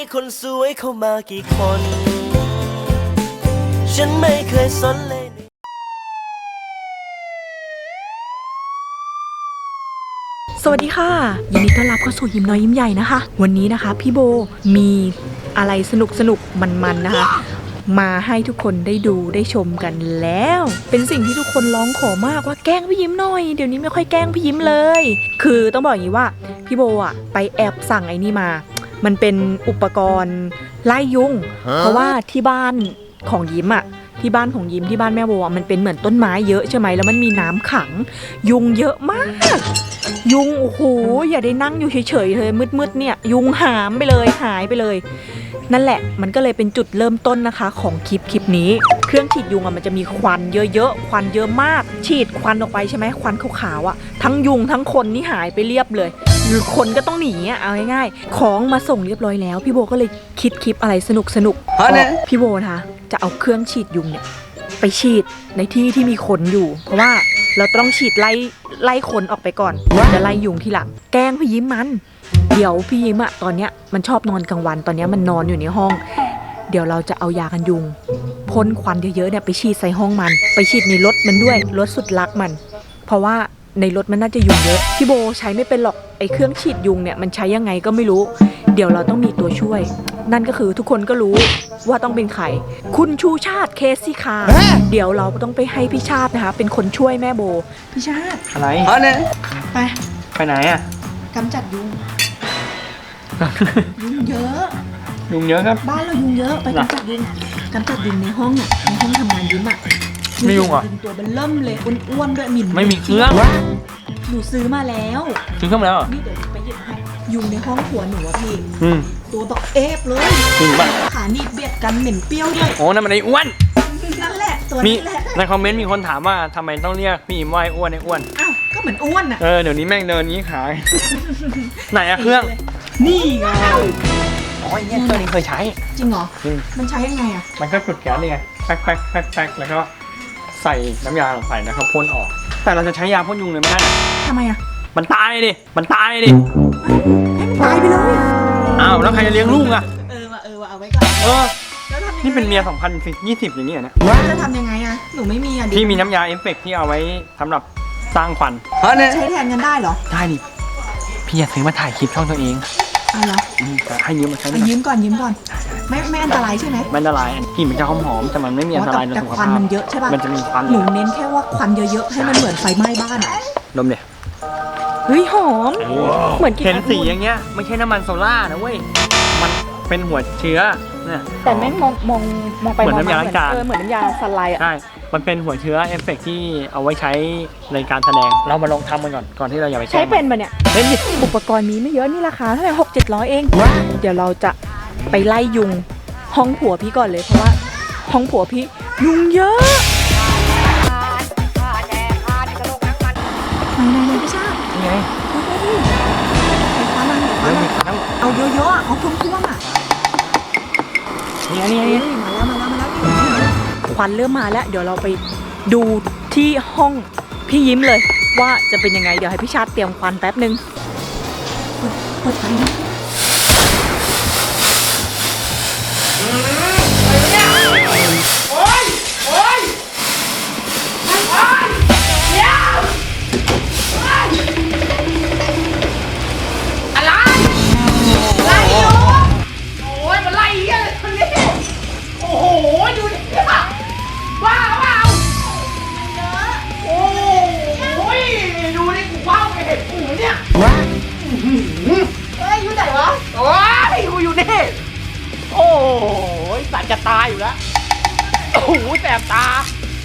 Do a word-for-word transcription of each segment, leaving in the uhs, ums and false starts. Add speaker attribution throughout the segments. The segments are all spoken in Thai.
Speaker 1: คนสวยเข้ามากี่คนฉันไม่เคยสนเลย
Speaker 2: สวัสดีค่ะยินดีต้อนรับเข้าสู่ยิ้มน้อยยิ้มใหญ่นะคะวันนี้นะคะพี่โบมีอะไรสนุกสนุกมันๆนะคะมาให้ทุกคนได้ดูได้ชมกันแล้วเป็นสิ่งที่ทุกคนร้องขอมากว่าแกล้งพี่ยิ้มหน่อยเดี๋ยวนี้ไม่ค่อยแกล้งพี่ยิ้มเลยคือต้องบอกอย่างนี้ว่าพี่โบอ่ะไปแอบสั่งไอ้นี่มามันเป็นอุปกรณ์ไล่ยุงเพราะว่าที่บ้านของยิ้มอ่ะที่บ้านของยิ้มที่บ้านแม่โบอ่ะมันเป็นเหมือนต้นไม้เยอะใช่ไหมแล้วมันมีน้ำขังยุงเยอะมากยุงโอ้โหอย่าได้นั่งอยู่เฉยๆเลยมืดๆเนี่ยยุงหามไปเลยหายไปเลยนั่นแหละมันก็เลยเป็นจุดเริ่มต้นนะคะของคลิปคลิปนี้เครื่องฉีดยุงอ่ะมันจะมีควันเยอะๆควันเยอะมากฉีดควันออกไปใช่ไหมควันขาวๆอ่ะทั้งยุงทั้งคนนี่หายไปเรียบเลยหรือคนก็ต้องหนีอ่ะเอาง่ายๆของมาส่งเรียบร้อยแล้วพี่โบก็เลยคิดคลิปอะไรสนุกสนุกพี่โบนะคะจะเอาเครื่องฉีดยุงเนี่ยไปฉีดในที่ที่มีคนอยู่เพราะว่าเราต้องฉีดไล่ไล่คนออกไปก่อนจะไล่ยุงทีหลังแกล้งพี่ยิ้มมันเดี๋ยวพี่ยิ้มอะตอนเนี้ยมันชอบนอนกลางวันตอนเนี้ยมันนอนอยู่ในห้องเดี๋ยวเราจะเอายากันยุงพ่นควันเยอะๆเนี่ยไปฉีดใส่ห้องมันไปฉีดในรถมันด้วยรถสุดรักมันเพราะว่าในรถมันน่าจะยุงเยอะพี่โบใช้ไม่เป็นหรอกไอ้เครื่องฉีดยุงเนี่ยมันใช้ยังไงก็ไม่รู้เดี๋ยวเราต้องมีตัวช่วยนั่นก็คือทุกคนก็รู้ว่าต้องเป็นใครคุณชูชาติเคสซี่คาเดี๋ยวเราต้องไปให้พี่ชาตินะคะเป็นคนช่วยแม่โบพี่ชาติ
Speaker 3: อะไรอ๋อเนี่ย
Speaker 2: ไป
Speaker 3: ไปไหนอ่ะ
Speaker 2: กำจัดยุงยุงเยอะ
Speaker 3: ยุงเยอะครับ
Speaker 2: บ้านเรายุงเยอะไปกำจัดยุงกำจัดยุงในห้องอ่ะในห้องทำงานยิ้มอ่ะ
Speaker 3: ไม่ยุงอ่ะ
Speaker 2: ตัวเป็นเริ่มเลยอ้วนๆด้วยหมิ่น
Speaker 3: ไม่มีเครื่อง
Speaker 2: หนูซื้อมาแล้ว
Speaker 3: ซื้อเครื่องแล้ว
Speaker 2: นี่เดี๋ยวไปหยิบให้ยุงในห้องหัวหนูอะพี่ตัวบอกเอฟเลย
Speaker 3: จริงป่ะ
Speaker 2: ขาหนีบเบียดกันเหม็นเปรี้ยวด้วย
Speaker 3: โอ้นั่นมันไอ้อ้วน
Speaker 2: นั่นแหละตัวนี้แหละ
Speaker 3: ในคอมเมนต์มีคนถามว่าทำไมต้องเรียกพี่อิ่มว่าไอ้อ้วนไอ้อ้วน
Speaker 2: อ้าวก็เหมือนอ้วนอ่ะ
Speaker 3: เออเดี๋ยวนี้แม่งเดินนี้ขายไหนอะเครื่อง
Speaker 2: นี่ไง
Speaker 3: อ๋อไอ้เนี่ยเครื่องนี้เคยใช้
Speaker 2: จริงเหรอมันใช้ยังไงอะ
Speaker 3: มันก็จุดแก๊สนี่ไงแป๊กแป๊กแป๊กแป๊กแล้วก็ใส่น้ำยาลงไปนะครับพ่นออกแต่เราจะใช้ยาพ่นยุงเลยไม่ได้
Speaker 2: ทำไมอะ
Speaker 3: มันตายดิมันตายดิ
Speaker 2: ให้มันตายไปเลย
Speaker 3: อ้าวแล้วใครจะเลี้ยงลูกอะ
Speaker 2: เออว่ะเออว่ะเอาไว้ก่อน
Speaker 3: เออนี่เป็นเมียสองพันยี่สิบอย่างนี้นะ
Speaker 2: จะทำยังไงอะหนูไม่มีอะ
Speaker 3: พี่มีน้ำยาเอฟเฟกต์ที่เอาไว้สำหรับสร้างควัน
Speaker 2: ใช้แทนกันได้เหรอ
Speaker 3: ได้ดิพี่อยากซื้อมาถ่ายคลิปช่องตัวเอง
Speaker 2: เอาแล้ว
Speaker 3: ให้ยืมมาใช้
Speaker 2: ยืมก่อนยืมก่อนไม่ไม่อันตรายใช่ไหม
Speaker 3: ไม่อันตรายกลิ่นมันจะหอมหอมแต่มันไม่มีอันตรายต่อสุขภาพ
Speaker 2: แต่ควันมันเยอะใช่ป่ะ
Speaker 3: มันจะมีควัน
Speaker 2: หนูเน้นแค่ว่าควันเยอะๆให้มันเหมือนไฟไหม้บ้านอะ
Speaker 3: ดมเนี่ย
Speaker 2: เฮ้ยหอมเหมือนกิน
Speaker 3: เห็นสีอย่างเงี้ยไม่ใช่น้ำมันโซล่านะเว้ยมันเป็นหัวเชื้อเนี่ย
Speaker 2: แต่แม่งมองมองมองไป
Speaker 3: เหมือนน้ำยาล้างจาน
Speaker 2: เหมือนน้ำยาสไลด์อ่ะ
Speaker 3: ใช่มันเป็นหัวเชื้อเอฟเฟกที่เอาไว้ใช้ในการแสดงเรามาลองทำกันก่อนก่อนที่เราอย่าไป
Speaker 2: ใช้เป็นปะเนี่ยเป็นอุปกรณ์นี้ไม่เยอะนี่ราคาเท่าไหร่หกเจ็ดร้อยเองเดี๋ยวเราจะไปไล่ยุงห้องผัวพี่ก่อนเลยเพราะว่าห้องผัวพี่ยุงเยอะไหนไหนพี่ชาติ
Speaker 3: ไง
Speaker 2: เอาเยอะๆเอาท่วมๆอ่ะ
Speaker 3: นี่นี่นี่
Speaker 2: มาแล้วมาแล้วมาแล้วควันเริ่มมาแล้วเดี๋ยวเราไปดูที่ห้องพี่ยิ้มเลยว่าจะเป็นยังไงเดี๋ยวให้พี่ชาติเตรียมควันแป๊บนึงเปิดไฟนะ
Speaker 3: โอ้ยสัตว์จะตายอยู่แล้วโอ้โหแสบตา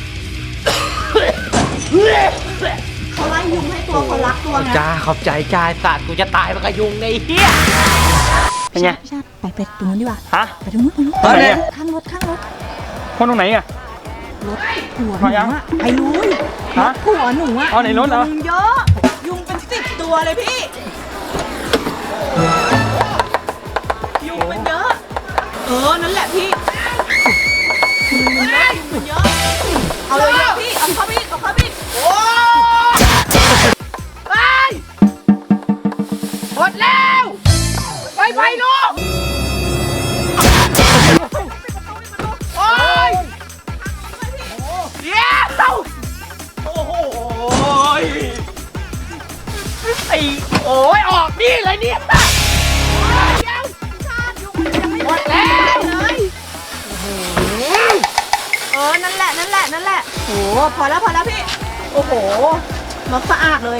Speaker 2: เขาไล่ยุงให้ตัวคนรักตัวไง
Speaker 3: จ้าขอบใจจ้าสัตว์กูจะตายมันก็ยุงในเฮียเป็นไง
Speaker 2: ไปไปตรงนู้นดีกว่า
Speaker 3: ฮะ
Speaker 2: ไปตรงนู้นตรงนู้น
Speaker 3: ไปไหน
Speaker 2: ข้างรถข้างรถ
Speaker 3: คนตรงไหนอะ
Speaker 2: รถผัวหนูอะไปลุยรถผัวหนูอะ
Speaker 3: อ๋อในรถเหรอ
Speaker 2: ยุงเยอะยุงเป็นสิบตัวเลยพี่ยุงเป็นเยอะเออนั่นแหละพี่ยุงมันเยอะยุงมันเยอะเอาเลยพี่เอาเข้าพี่เอาเข้าพี่โอ้
Speaker 3: ไปหมดแล้วไปไปลูก
Speaker 4: นี่เลยเนี่ยหมดแล้ว
Speaker 2: เลยเออนั่นแหละนั่นแหละนั่นแหละโอ้พอแล้วพอแล้วพี่โอ้โหรถสะอาดเลย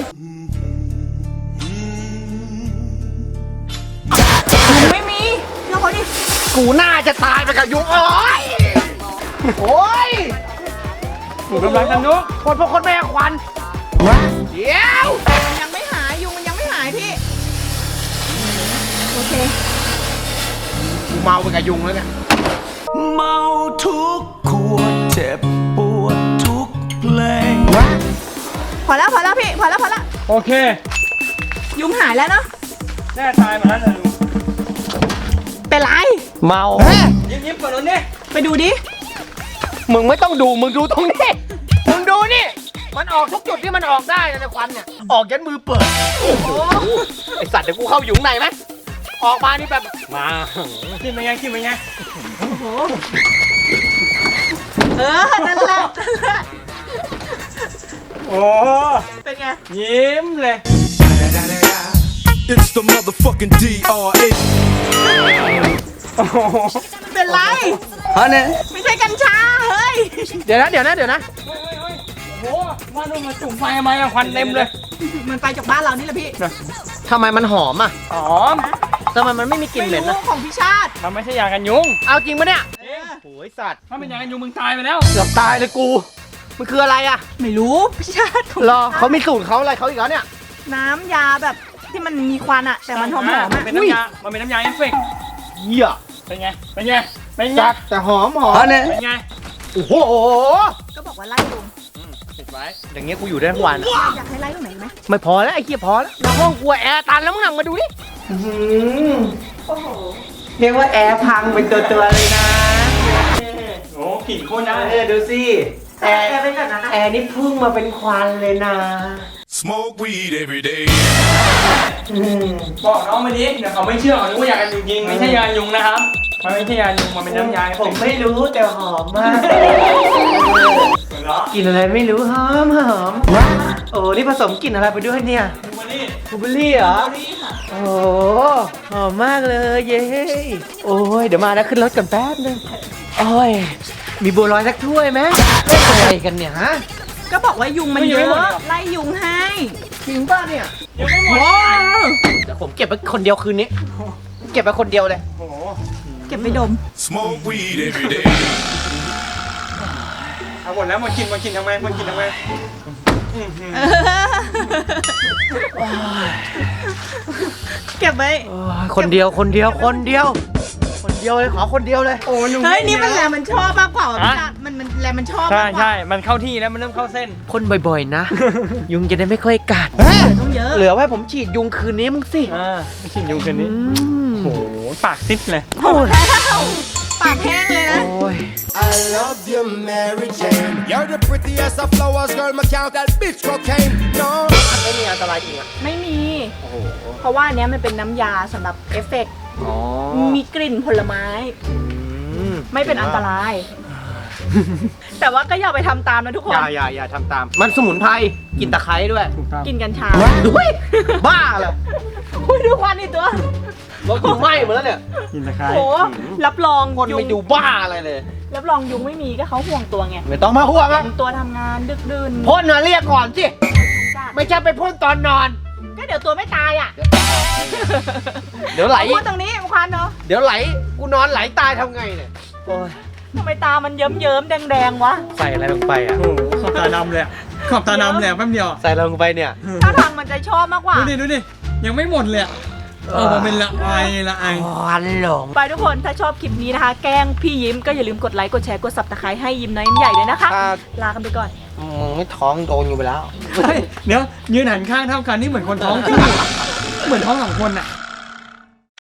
Speaker 2: ยุงไม่มีเชื่อเขาดิ
Speaker 4: กูน่าจะตายไปกับยุงโอ้ยโอ้ย
Speaker 3: ถูกกำลังกันนุก
Speaker 4: คนพวกคนแม่ควันเดี๋ยว
Speaker 2: มันยังไม่หายยุงมันยังไม่หายพี่โอเค
Speaker 4: กูเมาไปกับยุงแล้วเนี่ย
Speaker 1: เมาทุกขวดเจ็บปวดทุกเพลง
Speaker 2: พอแล้วพอแล้วพี่พอแล้วพอแล้ว
Speaker 3: โอเค
Speaker 2: ยุงหายแล้วเนาะ
Speaker 3: แน่ตายมาแล้วนะลุง
Speaker 2: เป็นไร
Speaker 4: เมา
Speaker 3: ยิ้มยิ้มก่อนนู้นดิ
Speaker 2: ไปดูดิ
Speaker 4: มึงไม่ต้องดูมึงดูตรงนี้มึงดูนี่มันออกทุกจุดที่มันออกได้นะในควันเนี่ยออกยันมือเปิด
Speaker 2: โอ้โห
Speaker 4: ไอสัตว์เดี๋ยวกูเข้าอยู่ข้างในไหมออกมานี่แบบมา
Speaker 3: กินไปไงกินไปไง
Speaker 2: โอ้โหเออนั่นแหละนั่นแหละ
Speaker 3: โอ้
Speaker 2: เป็นไง
Speaker 3: ยิ้มเลย
Speaker 5: It's the motherfucking ดี อาร์ เอ
Speaker 3: โอ้โห
Speaker 2: เป็นไร
Speaker 4: ฮะเนี่ย
Speaker 2: ไม่ใช่กัญชาเฮ้ย
Speaker 4: เดี๋ยวนะเดี๋ยวนะเดี๋ยวนะ
Speaker 3: เฮ้ยเฮ้ยโอ้โหมาดูมาจุ่มไฟทำไมอะควันเต็มเลย
Speaker 2: มันไปจากบ้านเรานี่แหละพี่
Speaker 4: ทำไมมันหอมอ่ะ
Speaker 3: หอม
Speaker 4: ทำไมมันไม่มีกลิ่นเหม็น
Speaker 2: ไม่
Speaker 4: นะ
Speaker 2: รู้ของพี่ชาติ
Speaker 3: มันไม่ใช่ยากันยุง
Speaker 4: เอาจริงปะเนี่ย
Speaker 3: จริง
Speaker 4: โอ้ยสัตว์
Speaker 3: ถ้าเป็นยากันยุงมึงตายไปแล้ว
Speaker 4: เกือบตายเลยกูมันคืออะไรอ่ะ
Speaker 2: ไม่รู้พี่ชาติของ
Speaker 4: รอเขามีสูตรเขาอะไรเขาอีกแล้วเนี่ย
Speaker 2: น้ำยาแบบที่มันมีควันอะแต่มันหอมหอม
Speaker 3: มั
Speaker 2: อะ
Speaker 3: นเป็นน้ำยา มันเป็นน้ำยาเอฟเฟกต์
Speaker 4: เหี้ย
Speaker 3: เป็นไง เป็นไง เป็นไง
Speaker 4: จัดแต่หอมหอมเนี่ย
Speaker 3: เป็นไง
Speaker 4: โอ้โห
Speaker 2: ก็บอกว่าไล่ลง
Speaker 3: ปิดไว้
Speaker 4: อย่างเงี้ยกูอยู่ได้ทั้งวัน
Speaker 2: อยากให้ไล่ตรงไหนไหม
Speaker 4: ไม่พอแล้วไอ้เหี้ยพอแล้วแล้วห้องกูแอร์ตันแล้วมึงหนังมาดูดิ
Speaker 2: โอ้โห
Speaker 4: เรียกว่าแอร์พังเป็นตัวตัวเลยนะ
Speaker 3: โอ้กลิ่นโคตรได้
Speaker 4: เออดูสิแอร์
Speaker 2: แอร์เป็นแบบนั้นนะ
Speaker 4: แอร์นี่พุ่งมาเป็นควันเลยนะ
Speaker 5: Smoke weed every day
Speaker 3: บอกน้องมาดิเดี๋ยวเขาไม่เชื่อเขาคิดว่ายากันยุงจริง ไม่ใช่ยากันยุงนะครับ มันไม่ใช่ยายุง มันเป็นน้ำยาเอฟ
Speaker 4: ผ
Speaker 3: เฟ
Speaker 4: ม
Speaker 3: กต์
Speaker 4: ไม่รู้แต่หอมมาก
Speaker 3: เหรอก
Speaker 4: ลิ่นอะไรไม่รู้หอมหอมโอ้นี่ผสมกลิ่นอะไรไปด้วยเนี่ย
Speaker 3: ดูมาดิ
Speaker 4: บลูเบอร์รี่เหรอโอ้หอมมากเลยเย้โอ้ยเดี๋ยวมาแล้วขึ้นรถกันแป๊บนึงโอ้ยมีบัวลอยสักถ้วยไหมเป็นอะไรกันเนี่ยฮะ
Speaker 2: ก็บอกว่ายุงมันเยอะไล่ยุงให้
Speaker 4: จริงป่ะเนี่ย
Speaker 3: ยังไม่หมด
Speaker 2: ว้าว
Speaker 4: เดี๋ยวผมเก็บไปคนเดียวคืนนี้ เก็บไปคนเดียวเลย
Speaker 3: โอ้โห
Speaker 2: เก็บไปดม
Speaker 5: Smoke weed every day
Speaker 3: เอาหมดแล้วมันกินมันกินทำไมมันกินทำไมอื้อหือ
Speaker 2: เก็บไว้
Speaker 4: โอ้ยคนเดียวคนเดียวคนเดียว คนเดียวเลยขอคนเดียวเลย
Speaker 3: โอ้ยุง
Speaker 2: เฮ้ยนี่มันแหละมันชอบมากกว่า
Speaker 3: ฮะ
Speaker 2: พี่ชาติมันมันแหละมันชอบ
Speaker 3: ใช่
Speaker 2: มากกว่า
Speaker 3: ใช่ มันเข้าที่แล้วมันเริ่มเข้าเส้น
Speaker 4: พ่นบ่อยๆนะ ยุงจะได้ไม่ค่อยกัด
Speaker 2: ต้องเยอะ
Speaker 4: เหลือไว้ผมฉีดยุงคืนนี้มึงสิ
Speaker 3: อ่าไม่กินยุงคืนนี้
Speaker 4: อืม
Speaker 3: โอ้โห ปากซิดเลย
Speaker 4: โอ้ย
Speaker 2: ปากแห้งเลยนะ
Speaker 4: โอ้ย
Speaker 5: I love you Mary Jane You're the prettiest of flowers girl my count that bitch cocaine No
Speaker 4: ไม่มีอันตรายจริงอ่ะ
Speaker 2: ไม่มี เพราะว่าอันเนี้ยมันเป็นน้ำยาสำหรับเอฟเฟกต์
Speaker 4: อ๋อ
Speaker 2: มีกลิ่นผลไม้
Speaker 4: อืม
Speaker 2: ไม่เป็นอันตราย แต่ว่าก็อย่าไปทำตามนะทุกค
Speaker 4: อน ย่าอย่าอย่าทำตาม มันสมุนไพรกินตะไคร้ด้วย
Speaker 3: ถูกต้อง
Speaker 2: กินกัญชา
Speaker 4: ด้วยบ้าเหรอ
Speaker 2: อุ้ยดูควันนี่ตัว
Speaker 4: รถยุงไหม้หมดแล้วเนี่ย
Speaker 3: กินตะไคร้
Speaker 2: โอ้รับรอง
Speaker 4: คน
Speaker 2: ยุ
Speaker 4: ไม่
Speaker 2: ง
Speaker 4: ดูบ้าอะไรเลย
Speaker 2: รับรองยุงไม่มีก็เขาห่วงตัวไง
Speaker 4: ไม่ต้องมาห่วงอ่ะ
Speaker 2: เป็นตัวทำงานดึกดื่น
Speaker 4: พ่นมาเรียกก่อนสิ
Speaker 2: จ้ะ
Speaker 4: ไม่ใช่ไปพ่นตอนนอน
Speaker 2: ก็เดี๋ยวตัวไม่ตายอ่ะ
Speaker 4: เดี๋ยวไหล
Speaker 2: พูดตรงนี้ควันเนาะ
Speaker 4: เดี๋ยวไหล กูนอนไหลตายทำไงเนี่ย โอ้ย
Speaker 2: ทำไมตามันเยิ้มเยิ้มๆแดงแดงๆวะ
Speaker 4: ใส่อะไรลงไปอ่ะ
Speaker 3: โอ้โหขอบตาดำเลยอะขอบตาดำเลยอะแป๊บเดียว
Speaker 4: ใส่อะไรลงไปเนี่ย
Speaker 2: ถ้าทางมันจะชอบมากกว่า
Speaker 3: ดูดิ ดูดิ ยังไม่หมดเลยอะเออมันเป็นละไอละไอ
Speaker 4: ควันหลง
Speaker 2: ไปทุกคนถ้าชอบคลิปนี้นะคะ แกล้งพี่ยิ้มก็อย่าลืมกดไลค์กดแชร์กดซับสไครต์ให้ยิ้มน้อยยิ้มใหญ่เลยนะคะ
Speaker 4: ครับ
Speaker 2: ลากันไปก่อน
Speaker 4: มึงไม่ท้องโดนอยู่ไปแล้ว
Speaker 3: เฮ้ย เดี๋ยวยืนหันข้างเท่ากันนี่เหมือนคนท้องคู่เหมือนท้องสองคนอะ